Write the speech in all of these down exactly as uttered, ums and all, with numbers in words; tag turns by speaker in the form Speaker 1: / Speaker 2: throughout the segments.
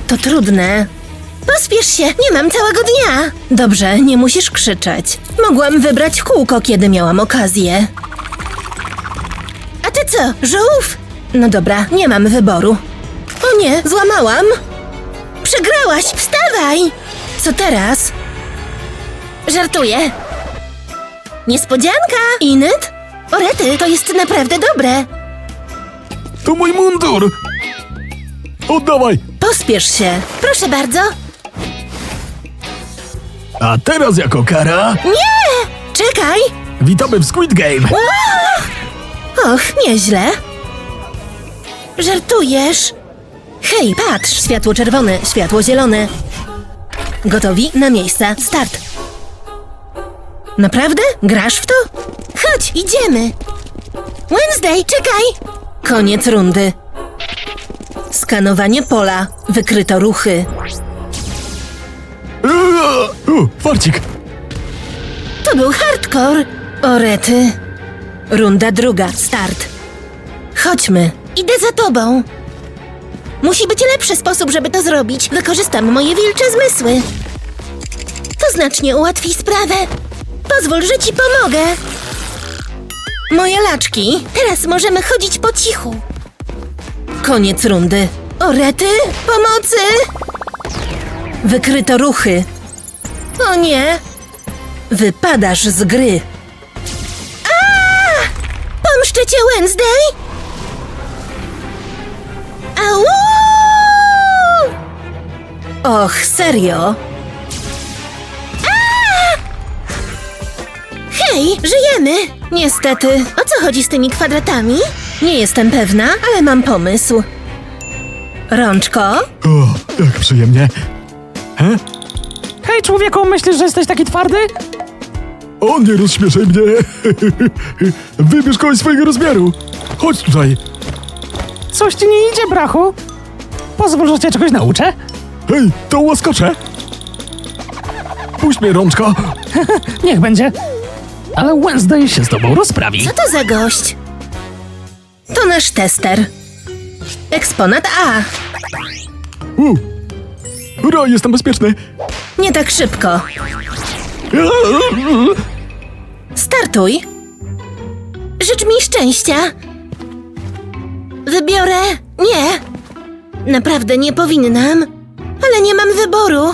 Speaker 1: To trudne. Pospiesz się, nie mam całego dnia. Dobrze, nie musisz krzyczeć. Mogłam wybrać kółko, kiedy miałam okazję. A ty co, żółw? No dobra, nie mam wyboru. O nie, złamałam. Przegrałaś, wstawaj! Co teraz? Żartuję. Niespodzianka! Inyt? Orety, to jest naprawdę dobre.
Speaker 2: To mój mundur! Oddawaj!
Speaker 1: Pospiesz się. Proszę bardzo.
Speaker 2: A teraz jako kara
Speaker 1: Nie! Czekaj!
Speaker 2: witamy w Squid Game!
Speaker 1: Och, nieźle. Żartujesz? Hej, patrz! Światło czerwone, światło zielone. Gotowi? Na miejsca. Start. Naprawdę? Grasz w to? Chodź, idziemy. Wednesday, czekaj! Koniec rundy. Skanowanie pola. Wykryto ruchy.
Speaker 2: O, farcik!
Speaker 1: To był hardcore. Orety. Runda druga. Start. Chodźmy. Idę za tobą. Musi być lepszy sposób, żeby to zrobić. Wykorzystam moje wilcze zmysły. To znacznie ułatwi sprawę. Pozwól, że ci pomogę. Moje laczki. Teraz możemy chodzić po cichu. Koniec rundy. Orety, pomocy! Wykryto ruchy. O nie! Wypadasz z gry. A! Pomszczę cię, Wednesday! Au! Och, serio? A! Hej, żyjemy! Niestety. O co chodzi z tymi kwadratami? Nie jestem pewna, ale mam pomysł. Rączko?
Speaker 2: O, jak przyjemnie. He?
Speaker 3: Hej, człowieku, myślisz, że jesteś taki twardy?
Speaker 2: O, nie rozśmieszaj mnie! Wybierz kogoś swojego rozmiaru! Chodź tutaj!
Speaker 3: Coś ci nie idzie, brachu? Pozwól, że cię czegoś nauczę.
Speaker 2: Hej, to łaskocze! Puść mnie, rączko!
Speaker 3: Niech będzie. Ale Wednesday się z tobą rozprawi.
Speaker 1: Co to za gość? To nasz tester. Eksponat A.
Speaker 2: U. Ura, jestem bezpieczny!
Speaker 1: Nie tak szybko. Startuj. Życz mi szczęścia. Wybiorę... Nie. Naprawdę nie powinnam. Ale nie mam wyboru.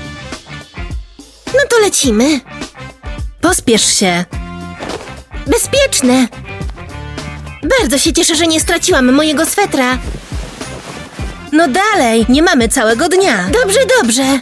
Speaker 1: No to lecimy. Pospiesz się. Bezpieczne. Bardzo się cieszę, że nie straciłam mojego swetra. No dalej, nie mamy całego dnia. Dobrze, dobrze.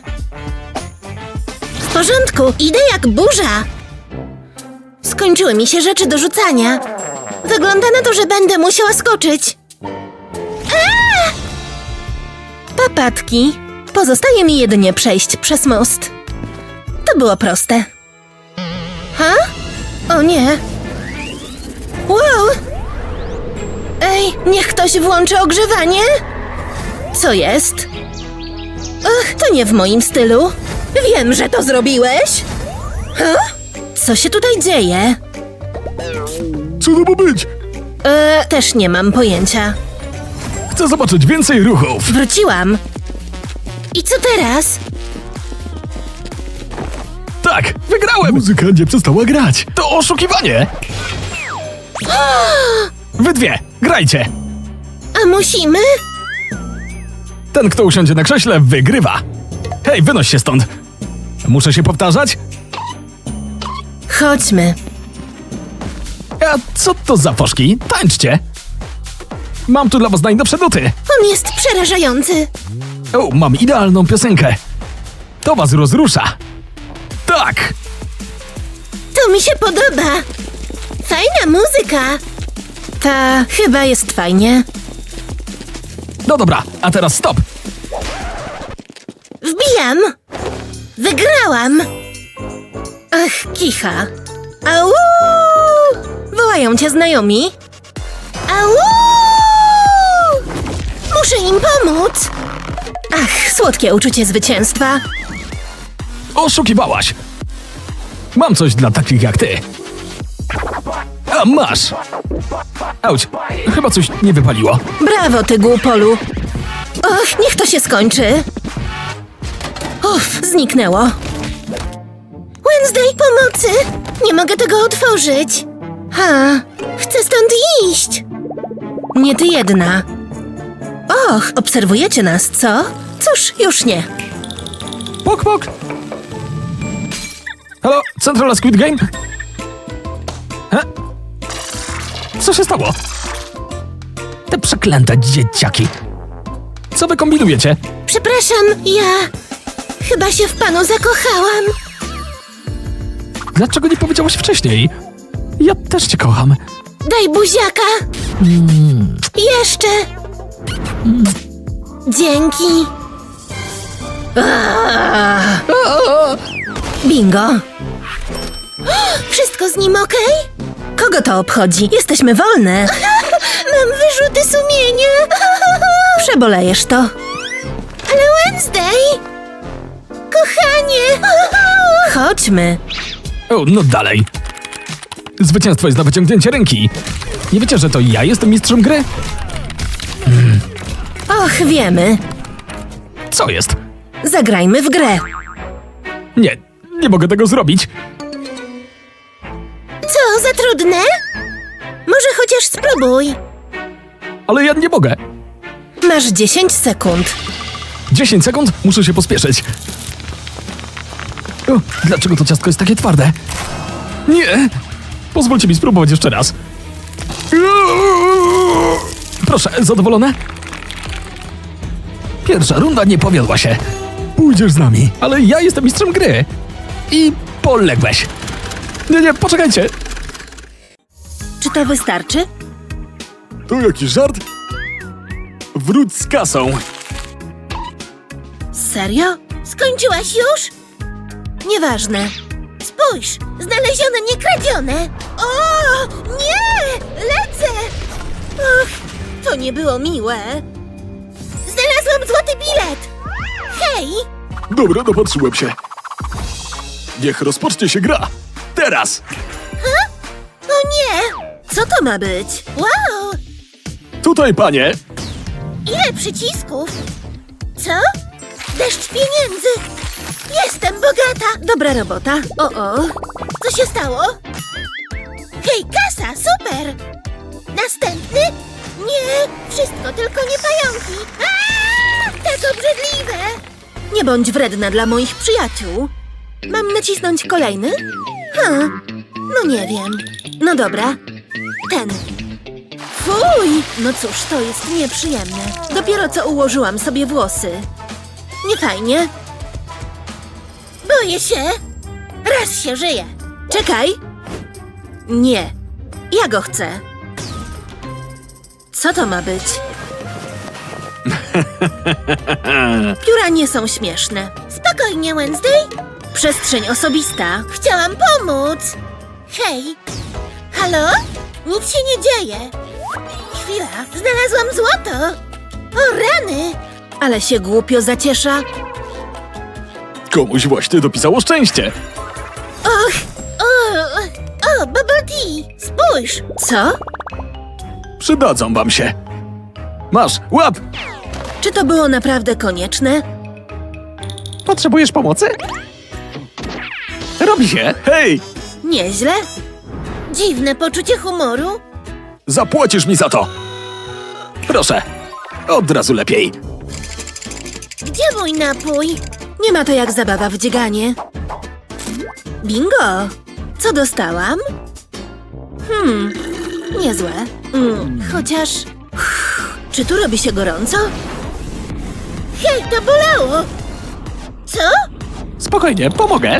Speaker 1: W porządku, idę jak burza. Skończyły mi się rzeczy do rzucania. Wygląda na to, że będę musiała skoczyć. Aaa! Papatki. Pozostaje mi jedynie przejść przez most. To było proste. Ha? O nie. Wow! Ej, niech ktoś włączy ogrzewanie. Co jest? Ach, to nie w moim stylu. Wiem, że to zrobiłeś. Ha? Co się tutaj dzieje?
Speaker 2: Co to ma być?
Speaker 1: E, też nie mam pojęcia.
Speaker 2: Chcę zobaczyć więcej ruchów!
Speaker 1: Wróciłam. I co teraz?
Speaker 2: Tak, wygrałem! Muzyka nie przestała grać! To oszukiwanie! Wy dwie, grajcie!
Speaker 1: A musimy?
Speaker 2: Ten, kto usiądzie na krześle, wygrywa! Hej, wynoś się stąd! Muszę się powtarzać?
Speaker 1: Chodźmy.
Speaker 2: A co to za foszki? Tańczcie! Mam tu dla was najnowsze nuty!
Speaker 1: On jest przerażający.
Speaker 2: O, mam idealną piosenkę! To was rozrusza! Tak!
Speaker 1: To mi się podoba. Fajna muzyka. Ta chyba jest fajnie.
Speaker 2: No dobra, a teraz stop!
Speaker 1: Wbijam. Wygrałam. Ach, kicha. Au! Wołają cię znajomi. Au! Muszę im pomóc. Ach, słodkie uczucie zwycięstwa.
Speaker 2: Oszukiwałaś! Mam coś dla takich jak ty! A masz! Auć, chyba coś nie wypaliło.
Speaker 1: Brawo, ty głupolu. Och, niech to się skończy. Uff, zniknęło. Wednesday, pomocy! Nie mogę tego otworzyć. Ha, chcę stąd iść. Nie ty jedna. Och, obserwujecie nas, co? Cóż, już nie.
Speaker 2: Pok, pok! Halo, Centrala Squid Game? He? Co się stało? Te przeklęte dzieciaki. Co wy kombinujecie?
Speaker 1: Przepraszam, ja chyba się w panu zakochałam.
Speaker 2: Dlaczego nie powiedziałaś wcześniej? Ja też cię kocham.
Speaker 1: Daj buziaka. Jeszcze. Dzięki. Aaa. Bingo. Wszystko z nim okej? Kogo to obchodzi? Jesteśmy wolne. Mam wyrzuty sumienia. Przebolejesz to. Ale Wednesday! Kochanie! Chodźmy.
Speaker 2: O, no dalej. Zwycięstwo jest na wyciągnięcie ręki. Nie wiecie, że to ja jestem mistrzem gry?
Speaker 1: Och, wiemy.
Speaker 2: Co jest?
Speaker 1: Zagrajmy w grę.
Speaker 2: Nie, nie mogę tego zrobić.
Speaker 1: Co, za trudne? Może chociaż spróbuj.
Speaker 2: Ale ja nie mogę.
Speaker 1: Masz dziesięć sekund.
Speaker 2: dziesięć sekund? Muszę się pospieszyć. O, dlaczego to ciastko jest takie twarde? Nie! Pozwólcie mi spróbować jeszcze raz. Proszę, zadowolone? Pierwsza runda nie powiodła się. Pójdziesz z nami, ale ja jestem mistrzem gry. I poległeś. Nie, nie, poczekajcie.
Speaker 1: Czy to wystarczy?
Speaker 2: To jakiś żart? Wróć z kasą.
Speaker 1: Serio? Skończyłaś już? Nieważne. Spójrz, znalezione, nie kradzione. O, nie! Lecę! Och, to nie było miłe. Znalazłam złoty bilet. Hej!
Speaker 2: Dobra, dopatrzyłem się. Niech rozpocznie się gra. Teraz!
Speaker 1: O nie! Co to ma być? Wow!
Speaker 2: Tutaj, panie!
Speaker 1: Ile przycisków? Co? Deszcz pieniędzy! Jestem bogata! Dobra robota. O, o. Co się stało? Hej, kasa! Super! Następny? Nie! Wszystko, tylko nie pająki! Aaa! Tak obrzydliwe! Nie bądź wredna dla moich przyjaciół. Mam nacisnąć kolejny? Hmm, no nie wiem. No dobra. Ten. Fuj! No cóż, to jest nieprzyjemne. Dopiero co ułożyłam sobie włosy. Nie fajnie. Boję się. Raz się żyje. Czekaj. Nie. Ja go chcę. Co to ma być? Pióra nie są śmieszne. Spokojnie, Wednesday. Przestrzeń osobista. Chciałam pomóc. Hej. Halo? Nic się nie dzieje. Chwila, znalazłam złoto. O rany. Ale się głupio zaciesza.
Speaker 2: Komuś właśnie dopisało szczęście.
Speaker 1: Och, o, o, bubble tea. Spójrz. Co?
Speaker 2: Przydadzą wam się. Masz, łap!
Speaker 1: Czy to było naprawdę konieczne?
Speaker 3: Potrzebujesz pomocy?
Speaker 2: Robi się. Hej!
Speaker 1: Nieźle. Dziwne poczucie humoru.
Speaker 2: Zapłacisz mi za to. Proszę. Od razu lepiej.
Speaker 1: Gdzie mój napój? Nie ma to jak zabawa w dzieganie. Bingo! Co dostałam? Hmm, niezłe. Mm, chociaż... Uff, czy tu robi się gorąco? Hej, to bolało! Co?
Speaker 3: Spokojnie, pomogę.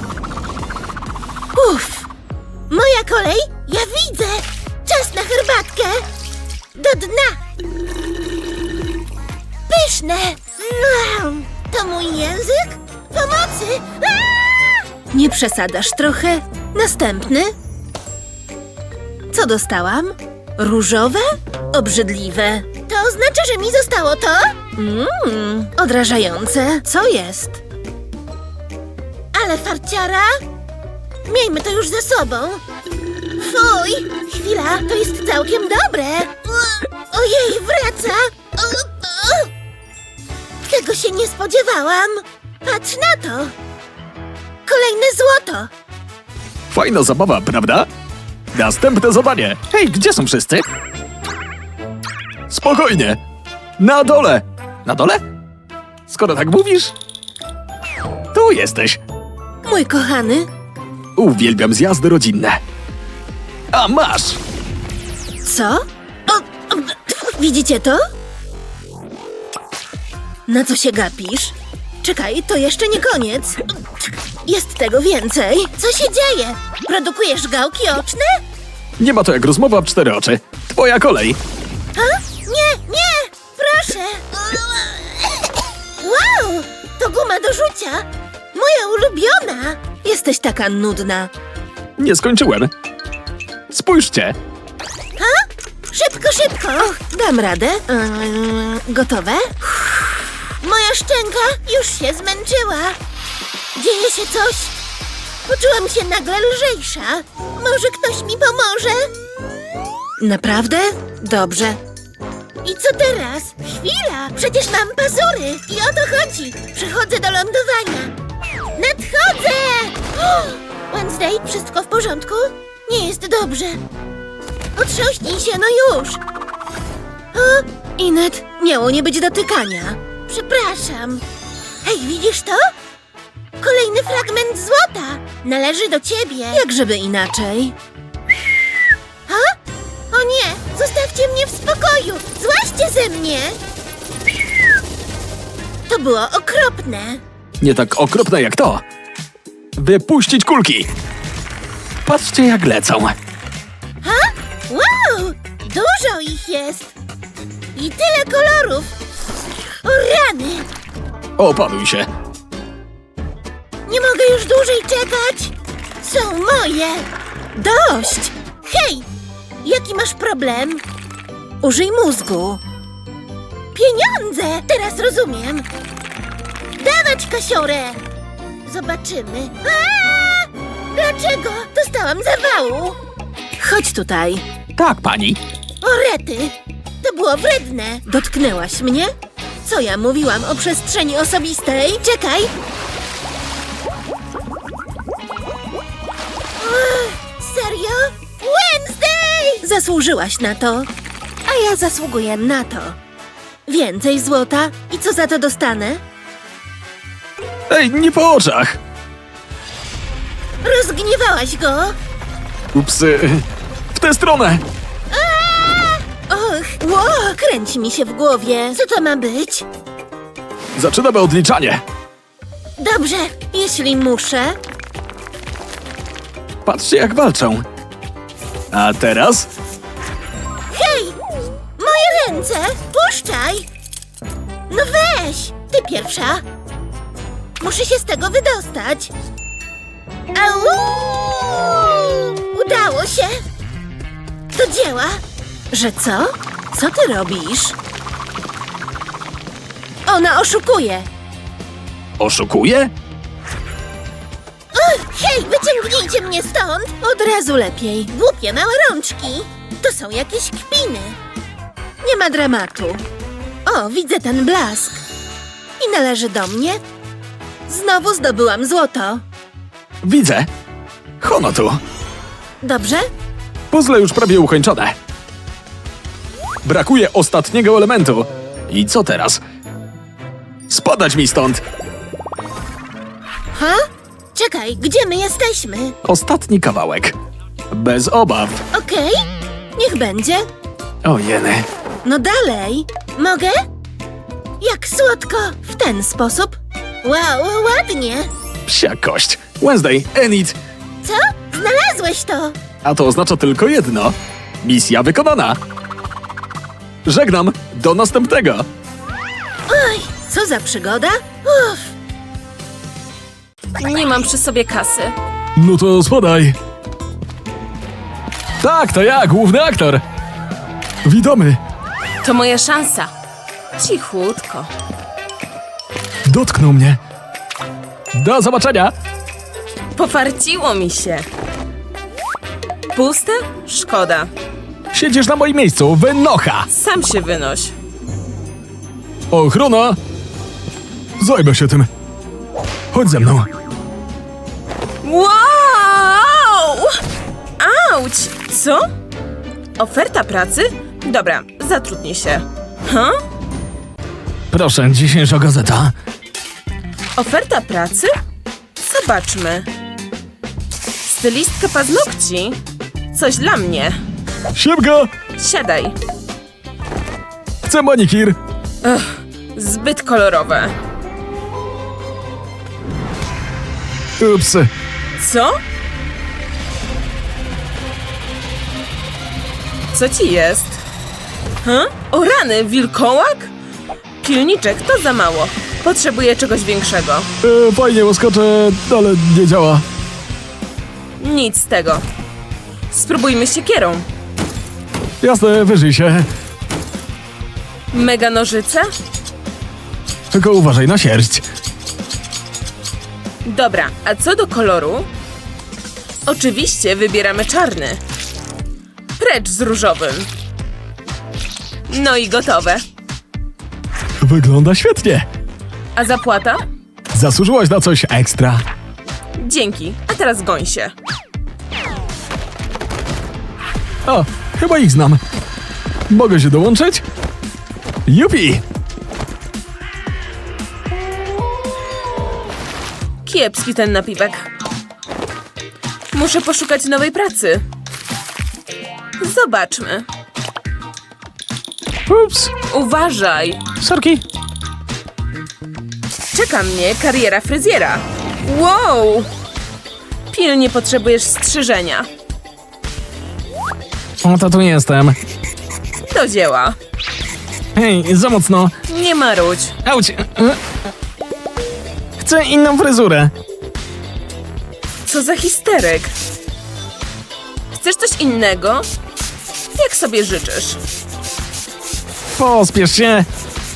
Speaker 1: Uff! Moja kolej? Ja widzę! Czas na herbatkę! Do dna! Pyszne! Mm, to mój język? Pomocy! Aaa! Nie przesadzasz trochę? Następny? Co dostałam? Różowe? Obrzydliwe. To oznacza, że mi zostało to? Mmm, odrażające. Co jest? Ale farciara? Miejmy to już za sobą. Fuj! Chwila, to jest całkiem dobre. Ojej, wraca! O, o. Tego się nie spodziewałam. Patrz na to! Kolejne złoto!
Speaker 2: Fajna zabawa, prawda? Następne zadanie. Hej, gdzie są wszyscy? Spokojnie. Na dole. Na dole? Skoro tak mówisz... Tu jesteś.
Speaker 1: Mój kochany,
Speaker 2: Uwielbiam zjazdy rodzinne. A masz!
Speaker 1: co? O, o, widzicie to? Na co się gapisz? Czekaj, to jeszcze nie koniec. Jest tego więcej. Co się dzieje? Produkujesz gałki oczne?
Speaker 2: Nie ma to jak rozmowa w cztery oczy. Twoja kolej.
Speaker 1: A? Nie, nie! Proszę! Wow! To guma do rzucia! Moja ulubiona! Jesteś taka nudna.
Speaker 2: Nie skończyłem. Spójrzcie.
Speaker 1: A? Szybko, szybko! Dam radę. Eee, gotowe? Moja szczęka już się zmęczyła. Dzieje się coś. Poczułam się nagle lżejsza. Może ktoś mi pomoże? Naprawdę? Dobrze. I co teraz? Chwila! Przecież mam pazury! I o to chodzi! Przechodzę do lądowania! Nadchodzę! O! Wednesday, wszystko w porządku? Nie jest dobrze. Otrząśnij się, no już! O, Inet, miało nie być dotykania. Przepraszam. Hej, widzisz to? Kolejny fragment złota. Należy do ciebie. Jak żeby inaczej. Ha? O nie, zostawcie mnie w spokoju. Złaźcie ze mnie. To było okropne.
Speaker 2: Nie tak okropne jak to. Wypuścić kulki. Patrzcie jak lecą.
Speaker 1: Ha? Wow! Dużo ich jest! I tyle kolorów! O rany!
Speaker 2: Opanuj się.
Speaker 1: Nie mogę już dłużej czekać! Są moje! Dość! Hej! Jaki masz problem? Użyj mózgu. Pieniądze! Teraz rozumiem. Dawać kasiorę! Zobaczymy. Aaa! Dlaczego? Dostałam zawału! Chodź tutaj.
Speaker 2: Tak, pani.
Speaker 1: O rety! To było wredne! Dotknęłaś mnie? Co ja mówiłam o przestrzeni osobistej? Czekaj! Ugh, serio? Wednesday! Zasłużyłaś na to, a ja zasługuję na to. Więcej złota i co za to dostanę?
Speaker 2: Ej, nie po oczach.
Speaker 1: Rozgniewałaś go?
Speaker 2: Ups, y, w tę stronę.
Speaker 1: Och, ło, kręci mi się w głowie. Co to ma być?
Speaker 2: Zaczynamy odliczanie.
Speaker 1: Dobrze, jeśli muszę.
Speaker 2: Patrzcie jak walczą. A teraz?
Speaker 1: Hej! Moje ręce! Puszczaj! No weź! Ty pierwsza! Muszę się z tego wydostać! Au! Udało się! Do dzieła! Że co? Co ty robisz? Ona oszukuje!
Speaker 2: Oszukuje?
Speaker 1: Ugh, hej, wyciągnijcie mnie stąd! Od razu lepiej. Głupie małe rączki. To są jakieś kpiny. Nie ma dramatu. O, widzę ten blask. I należy do mnie? Znowu zdobyłam złoto.
Speaker 2: Widzę. Hono tu.
Speaker 1: Dobrze?
Speaker 2: Puzzle już prawie ukończone. Brakuje ostatniego elementu. I co teraz? Spadać mi stąd.
Speaker 1: Ha? Czekaj, gdzie my jesteśmy?
Speaker 2: Ostatni kawałek. Bez obaw.
Speaker 1: Okej, niech będzie.
Speaker 2: O jeny.
Speaker 1: No dalej. Mogę? Jak słodko. W ten sposób. Wow, ładnie.
Speaker 2: Psia kość. Wednesday, Enid.
Speaker 1: Co? Znalazłeś to.
Speaker 2: A to oznacza tylko jedno. Misja wykonana. Żegnam. Do następnego.
Speaker 1: Oj, co za przygoda? Uff.
Speaker 4: Nie mam przy sobie kasy.
Speaker 2: No to spadaj. Tak, to ja, główny aktor. Witamy.
Speaker 4: To moja szansa. Cichutko.
Speaker 2: Dotknął mnie. Do zobaczenia.
Speaker 4: Pofarciło mi się. Puste? Szkoda.
Speaker 2: Siedzisz na moim miejscu, wynocha.
Speaker 4: Sam się wynoś.
Speaker 2: Ochrona. Zajmę się tym. Chodź ze mną.
Speaker 4: Wow! Auć! Co? Oferta pracy? Dobra, zatrudnię się. Huh?
Speaker 2: Proszę, dzisiejsza gazeta.
Speaker 4: Oferta pracy? Zobaczmy. Stylistka paznokci? Coś dla mnie.
Speaker 2: Siemka!
Speaker 4: Siadaj.
Speaker 2: Chcę manikir.
Speaker 4: Zbyt kolorowe.
Speaker 2: Ups.
Speaker 4: Co? Co ci jest? Huh? O rany, wilkołak? Pilniczek, to za mało. Potrzebuję czegoś większego.
Speaker 2: E, fajnie, łaskoczę, ale nie działa.
Speaker 4: Nic z tego. Spróbujmy siekierą.
Speaker 2: Jasne, wyżyj się.
Speaker 4: Mega nożyce?
Speaker 2: Tylko uważaj na sierść.
Speaker 4: Dobra, a co do koloru? Oczywiście wybieramy czarny. Precz z różowym. No i gotowe.
Speaker 2: Wygląda świetnie.
Speaker 4: A zapłata?
Speaker 2: Zasłużyłaś na coś ekstra.
Speaker 4: Dzięki, a teraz goń się.
Speaker 2: O, chyba ich znam. Mogę się dołączyć? Jupi!
Speaker 4: Kiepski ten napiwek. Muszę poszukać nowej pracy. Zobaczmy.
Speaker 3: Ups.
Speaker 4: Uważaj.
Speaker 3: Sorki.
Speaker 4: Czeka mnie kariera fryzjera. Wow! Pilnie potrzebujesz strzyżenia.
Speaker 2: Oto tu jestem.
Speaker 4: Do dzieła.
Speaker 2: Hej, za mocno.
Speaker 4: Nie marudź.
Speaker 2: Auć. E, Chcę inną fryzurę.
Speaker 4: Co za histerek. Chcesz coś innego? Jak sobie życzysz.
Speaker 2: Pospiesz się.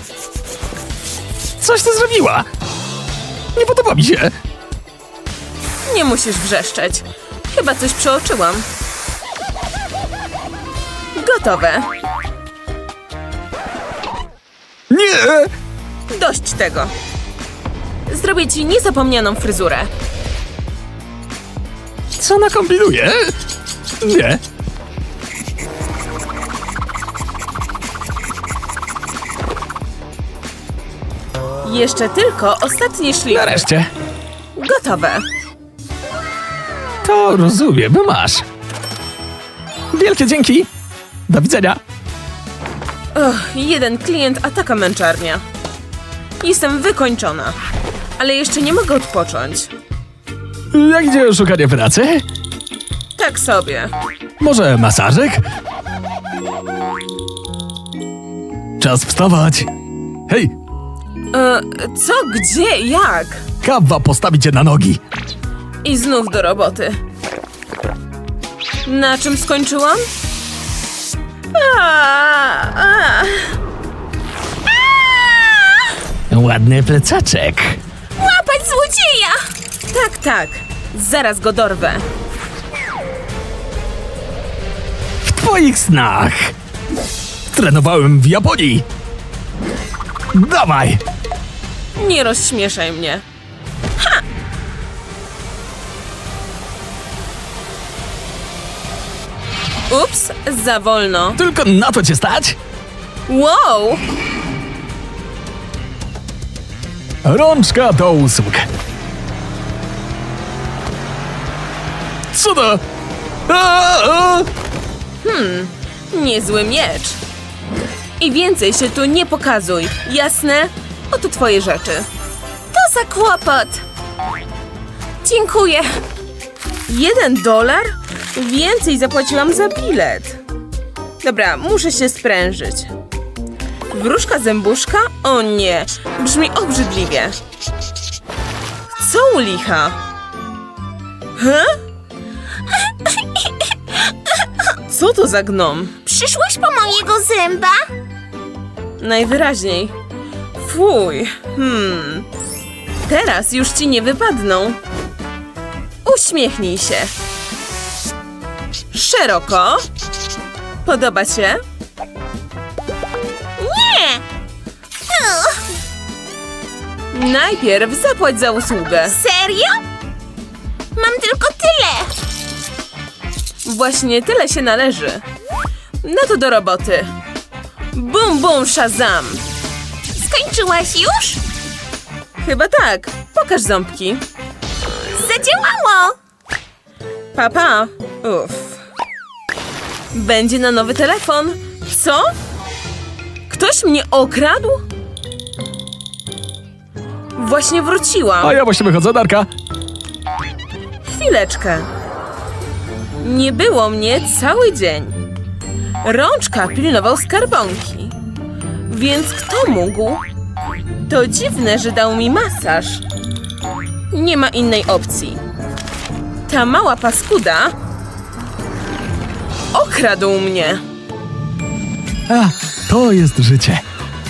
Speaker 2: Coś ty zrobiła. Nie podoba mi się.
Speaker 4: Nie musisz wrzeszczeć. Chyba coś przeoczyłam. Gotowe.
Speaker 2: Nie!
Speaker 4: Dość tego. Zrobię ci niezapomnianą fryzurę.
Speaker 2: Co ona kombinuje? Nie.
Speaker 4: Jeszcze tylko ostatnie szlify.
Speaker 2: Nareszcie.
Speaker 4: Gotowe.
Speaker 2: To rozumiem, masz. Wielkie dzięki. Do widzenia.
Speaker 4: Och, jeden klient, a taka męczarnia. Jestem wykończona. Ale jeszcze nie mogę odpocząć.
Speaker 2: Jak idzie szukanie pracy?
Speaker 4: Tak sobie.
Speaker 2: Może masażyk? Czas wstawać. Hej,
Speaker 4: E, co, gdzie, jak?
Speaker 2: kawa postawi cię na nogi.
Speaker 4: I znów do roboty. Na czym skończyłam? A, a.
Speaker 2: Ładny plecaczek.
Speaker 4: Łapać złodzieja! Tak, tak. Zaraz go dorwę.
Speaker 2: W twoich snach. Trenowałem w Japonii. Dawaj.
Speaker 4: Nie rozśmieszaj mnie. Ha! Ups, za wolno.
Speaker 2: Tylko na to cię stać?
Speaker 4: Wow!
Speaker 2: Rączka do usług. Co to? A, a.
Speaker 4: Niezły miecz. I więcej się tu nie pokazuj, jasne? Oto twoje rzeczy. To za kłopot. Dziękuję. Jeden dolar? Więcej zapłaciłam za bilet. Dobra, muszę się sprężyć. Wróżka zębuszka? O nie, brzmi obrzydliwie. Co u licha? Huh? Co to za gnom?
Speaker 5: Przyszłeś po mojego zęba?
Speaker 4: Najwyraźniej. Fuj. Hmm. Teraz już ci nie wypadną. Uśmiechnij się. Szeroko. Podoba się?
Speaker 5: Nie! Ugh.
Speaker 4: Najpierw zapłać za usługę.
Speaker 5: Serio? Mam tylko tyle.
Speaker 4: Właśnie tyle się należy. No to do roboty. Bum, bum, shazam.
Speaker 5: Skończyłaś już?
Speaker 4: Chyba tak. Pokaż ząbki.
Speaker 5: Zadziałało.
Speaker 4: Papa. Uff. Będzie na nowy telefon. Co? Ktoś mnie okradł? Właśnie wróciłam.
Speaker 2: A ja właśnie wychodzę, Darka.
Speaker 4: Chwileczkę. Nie było mnie cały dzień. Rączka pilnował skarbonki. Więc kto mógł? To dziwne, że dał mi masaż. Nie ma innej opcji. Ta mała paskuda okradł mnie.
Speaker 2: A, to jest życie.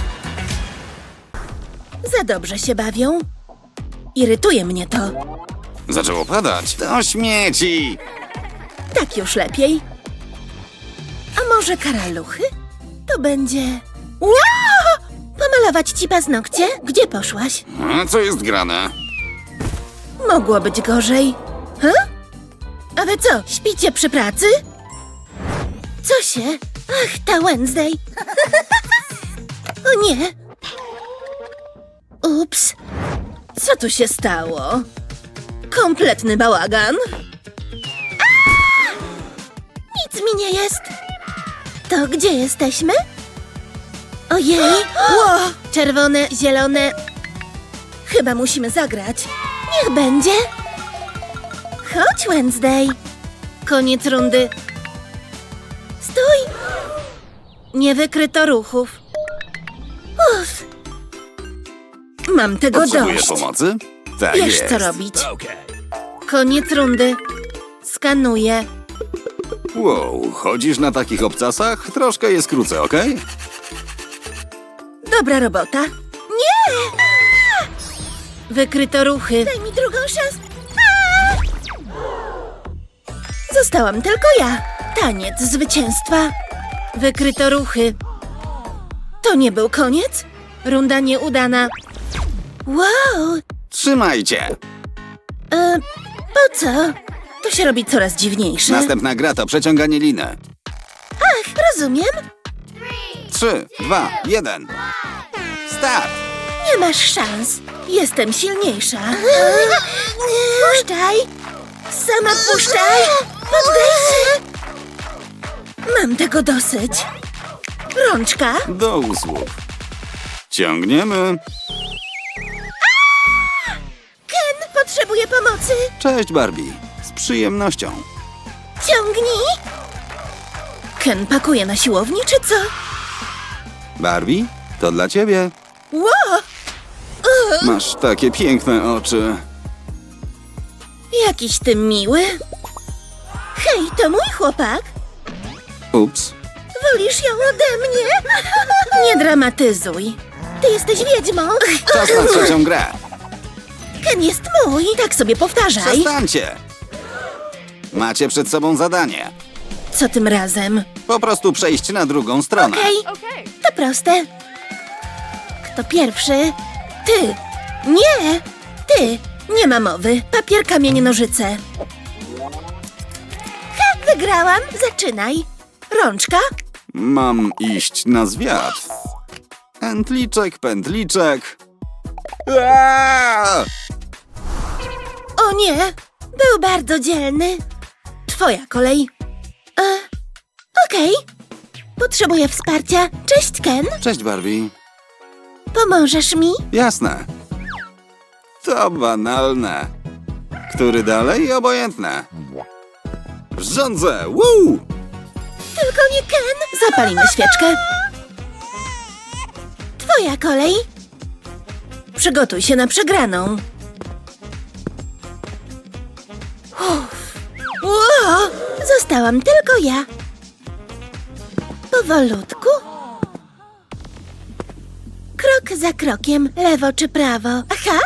Speaker 1: Za dobrze się bawią. Irytuje mnie to.
Speaker 6: Zaczęło padać. To śmieci!
Speaker 1: Tak już lepiej. A może karaluchy? To będzie... Wow! Pomalować ci paznokcie? Gdzie poszłaś?
Speaker 6: A co jest grane?
Speaker 1: Mogło być gorzej. Ha? A wy co, śpicie przy pracy? Co się? Ach, ta Wednesday. O nie. Ups. Co tu się stało? Kompletny bałagan. A! Nic mi nie jest. To gdzie jesteśmy? Ojej. Ło! Czerwone, zielone. Chyba musimy zagrać. Niech będzie. Chodź, Wednesday. Koniec rundy. Stój. Nie wykryto ruchów. Uff. Mam tego
Speaker 6: Potrzebujesz
Speaker 1: dość.
Speaker 6: pomocy? Tak
Speaker 1: Wiesz,
Speaker 6: jest.
Speaker 1: co robić. Koniec rundy. Skanuję.
Speaker 6: Wow, chodzisz na takich obcasach? Troszkę je skrócę, okej?
Speaker 1: Dobra robota. Nie! Wykryto ruchy. Daj mi drugą szansę. Zostałam tylko ja. Taniec zwycięstwa. Wykryto ruchy. To nie był koniec? Runda nieudana. Wow!
Speaker 6: Trzymajcie!
Speaker 1: E, po co? To się robi coraz dziwniejsze.
Speaker 6: Następna gra to przeciąganie liny.
Speaker 1: Ach, rozumiem.
Speaker 6: Trzy, dwa, jeden. Start!
Speaker 1: Nie masz szans. Jestem silniejsza. Puszczaj. Sama puszczaj. Poddaj się. Mam tego dosyć. Rączka.
Speaker 6: Do usług. Ciągniemy.
Speaker 1: Ken potrzebuje pomocy.
Speaker 6: Cześć, Barbie. Z przyjemnością.
Speaker 1: Ciągnij. Ken pakuje na siłowni, czy co?
Speaker 6: Barbie, to dla ciebie.
Speaker 1: Ło!
Speaker 6: Masz takie piękne oczy.
Speaker 1: Jakiś ty miły. Hej, to mój chłopak.
Speaker 6: Ups.
Speaker 1: Wolisz ją ode mnie? Nie dramatyzuj. Ty jesteś wiedźmą.
Speaker 6: Czas na trzecią grę.
Speaker 1: Ken jest mój. Tak sobie powtarzaj.
Speaker 6: Przestańcie! Macie przed sobą zadanie.
Speaker 1: Co tym razem?
Speaker 6: Po prostu przejść na drugą stronę.
Speaker 1: Okej, to proste. Kto pierwszy? Ty. Nie, ty. Nie ma mowy. Papier, kamień, nożyce. Ha, wygrałam. Zaczynaj. Rączka?
Speaker 6: Mam iść na zwiat. Pętliczek, pętliczek. Aaaa!
Speaker 1: O nie, był bardzo dzielny. Twoja kolej. E, Okej. Potrzebuję wsparcia. Cześć, Ken.
Speaker 6: Cześć, Barbie.
Speaker 1: Pomożesz mi?
Speaker 6: Jasne. To banalne. Który dalej? Obojętne. Rządzę! Woo!
Speaker 1: Tylko nie Ken. Zapalimy świeczkę. Twoja kolej. Przygotuj się na przegraną. Uff. Ło! Zostałam tylko ja. Powolutku. Krok za krokiem, lewo czy prawo. Aha!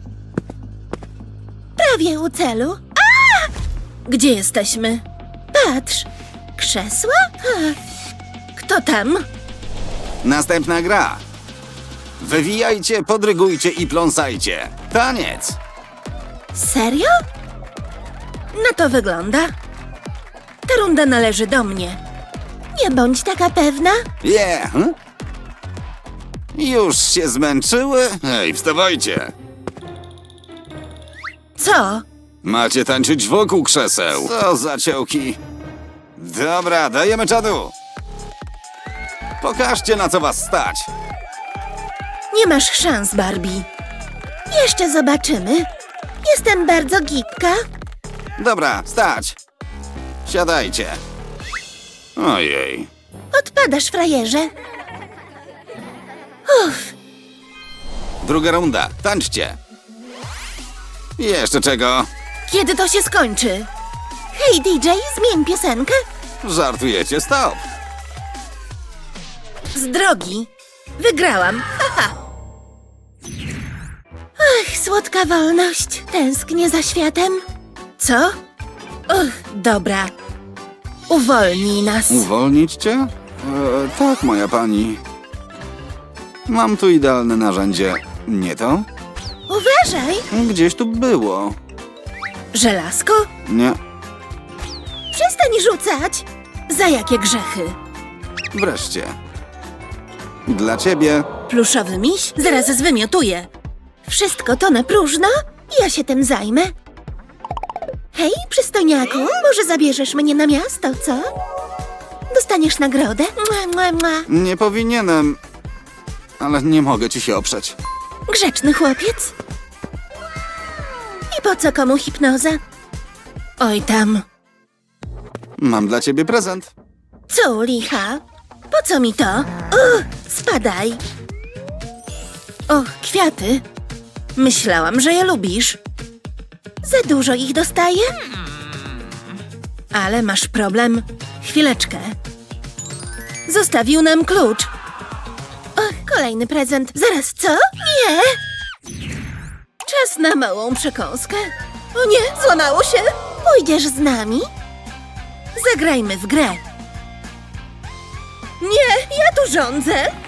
Speaker 1: Prawie u celu. A! Gdzie jesteśmy? Patrz. Krzesła? Ha. Kto tam?
Speaker 6: Następna gra. Wywijajcie, podrygujcie i pląsajcie. Taniec!
Speaker 1: Serio? Na to wygląda. Ta runda należy do mnie. Nie bądź taka pewna.
Speaker 6: Yeah! hm? Już się zmęczyły? Hej, wstawajcie!
Speaker 1: Co?
Speaker 6: Macie tańczyć wokół krzeseł. Co za ciołki. Dobra, dajemy czadu. Pokażcie, na co was stać.
Speaker 1: Nie masz szans, Barbie. Jeszcze zobaczymy. Jestem bardzo gibka.
Speaker 6: Dobra, stać. Siadajcie. Ojej.
Speaker 1: Odpadasz, frajerze. Uff,
Speaker 6: Druga runda. Tańczcie. Jeszcze czego?
Speaker 1: kiedy to się skończy? Hej, D J, zmień piosenkę.
Speaker 6: Żartujecie? Stop.
Speaker 1: Z drogi. Wygrałam. Haha. Ach, słodka wolność. Tęsknię za światem. Co? Uch, dobra. Uwolnij nas.
Speaker 6: Uwolnić cię? E, tak, moja pani. Mam tu idealne narzędzie. Nie to?
Speaker 1: Uważaj.
Speaker 6: Gdzieś tu było.
Speaker 1: Żelazko?
Speaker 6: Nie.
Speaker 1: Przestań rzucać. Za jakie grzechy?
Speaker 6: Wreszcie. Dla ciebie.
Speaker 1: Pluszowy miś? Zaraz zwymiotuję. Wszystko to na próżno? Ja się tym zajmę. Hej, przystojniaku, może zabierzesz mnie na miasto, co? Dostaniesz nagrodę. Mua, mua, mua.
Speaker 6: Nie powinienem. Ale nie mogę ci się oprzeć.
Speaker 1: Grzeczny chłopiec. I po co komu hipnoza? Oj tam.
Speaker 6: Mam dla ciebie prezent.
Speaker 1: Co, licha? Po co mi to? Uch, spadaj. O, kwiaty. Myślałam, że je lubisz. Za dużo ich dostaję? Ale masz problem. Chwileczkę. Zostawił nam klucz. Och, kolejny prezent. Zaraz, co? Nie! Czas na małą przekąskę. O nie, złamało się. Pójdziesz z nami? Zagrajmy w grę. Nie, ja tu rządzę.